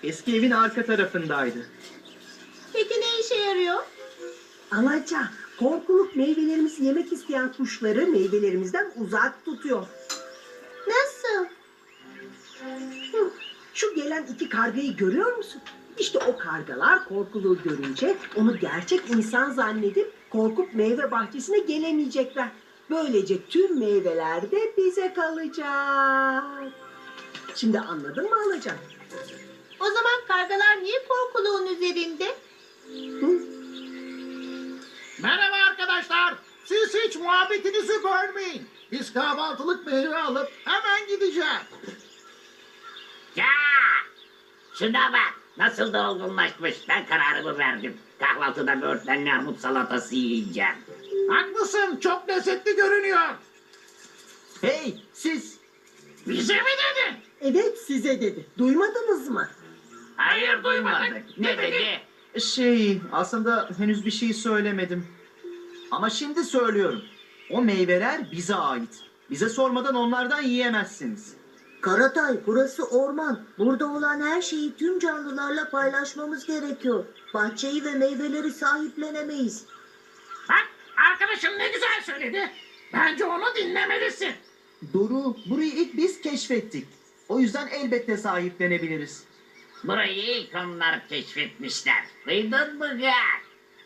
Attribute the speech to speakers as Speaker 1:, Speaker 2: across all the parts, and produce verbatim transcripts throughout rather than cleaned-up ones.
Speaker 1: Eski evin arka tarafındaydı.
Speaker 2: Peki ne işe yarıyor?
Speaker 3: Alaca, korkuluk meyvelerimizi yemek isteyen kuşları meyvelerimizden uzak tutuyor.
Speaker 2: Nasıl?
Speaker 3: Hı, Şu gelen iki kargayı görüyor musun? İşte o kargalar korkuluğu görünce onu gerçek insan zannedip korkup meyve bahçesine gelemeyecekler. Böylece tüm meyveler de bize kalacak. Şimdi anladın mı Alaca?
Speaker 2: O zaman kargalar niye korkuluğun üzerinde?
Speaker 3: Hı?
Speaker 4: Merhaba arkadaşlar. Siz hiç muhabbetinizi bölmeyin. Biz kahvaltılık meyve alıp hemen gideceğiz.
Speaker 5: Ya! Şuna bak. Nasıl da olgunlaşmış. Ben kararımı verdim. Kahvaltıda böğürtlenli armut salatası yiyeceğim.
Speaker 4: Haklısın. Çok lezzetli görünüyor.
Speaker 1: Hey siz!
Speaker 4: Bize mi dedin?
Speaker 3: Evet size dedi. Duymadınız mı?
Speaker 5: Hayır duymadık. Ne dedi?
Speaker 1: Şey aslında henüz bir şey söylemedim. Ama şimdi söylüyorum. O meyveler bize ait. Bize sormadan onlardan yiyemezsiniz.
Speaker 6: Karatay, burası orman. Burada olan her şeyi tüm canlılarla paylaşmamız gerekiyor. Bahçeyi ve meyveleri sahiplenemeyiz.
Speaker 4: Bak arkadaşım ne güzel söyledi. Bence onu dinlemelisin.
Speaker 1: Doğru, burayı ilk biz keşfettik. O yüzden elbette sahiplenebiliriz.
Speaker 5: Burayı ilk onlar keşfetmişler. Duydun mu Gak?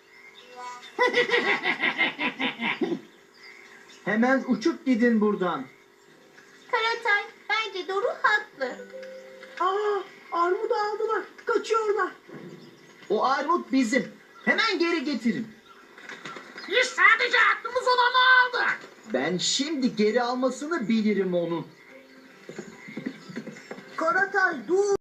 Speaker 1: Hemen uçup gidin buradan.
Speaker 2: Karatay, bence Doru haklı.
Speaker 3: Aa, armudu aldılar. Kaçıyorlar.
Speaker 1: O armut bizim. Hemen geri getirin.
Speaker 4: Biz sadece aklımız olanı aldık.
Speaker 1: Ben şimdi geri almasını bilirim onun.
Speaker 6: Karatay, dur!